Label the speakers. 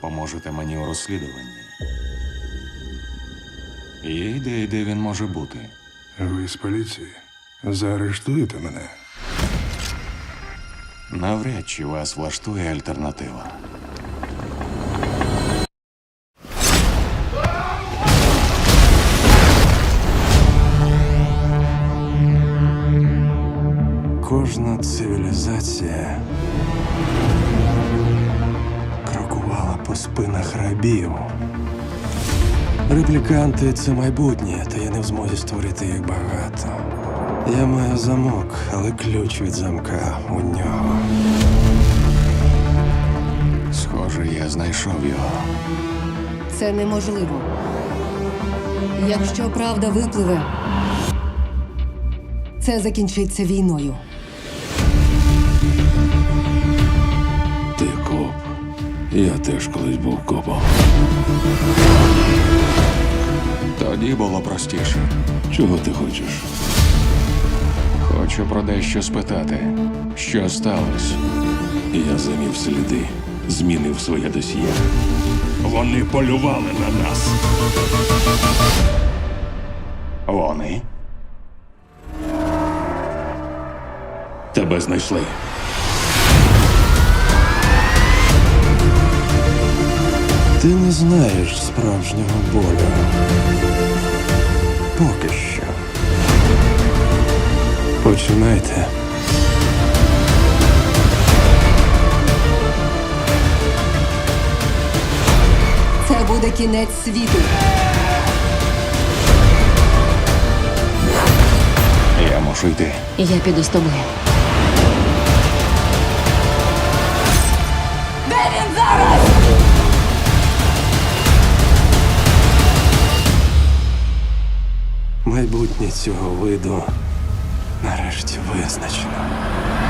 Speaker 1: допоможете мені у розслідуванні. Є ідея, де він може бути.
Speaker 2: Ви з поліції? Заарештуєте мене?
Speaker 1: Навряд чи вас влаштує альтернатива.
Speaker 2: Кожна цивілізація крокувала по спинах рабів. Репліканти – це майбутнє, та я не в змозі створити їх багато. Я маю замок, але ключ від замка у нього.
Speaker 1: Схоже, я знайшов його.
Speaker 3: Це неможливо. Якщо правда випливе, це закінчиться війною.
Speaker 4: Ти коп. Я теж колись був копом.
Speaker 1: Тоді було простіше.
Speaker 4: Чого ти хочеш?
Speaker 1: Хочу про дещо спитати. Що сталося?
Speaker 4: Я замів сліди, змінив своє досьє. Вони полювали на нас.
Speaker 1: Вони?
Speaker 4: Тебе знайшли.
Speaker 2: Ти не знаєш справжнього болю. Поки що. Починайте.
Speaker 3: Це буде кінець світу.
Speaker 1: Я мушу йти.
Speaker 3: Я піду з тобою. Де він зараз?
Speaker 2: Майбутнє цього виду нарешті визначено.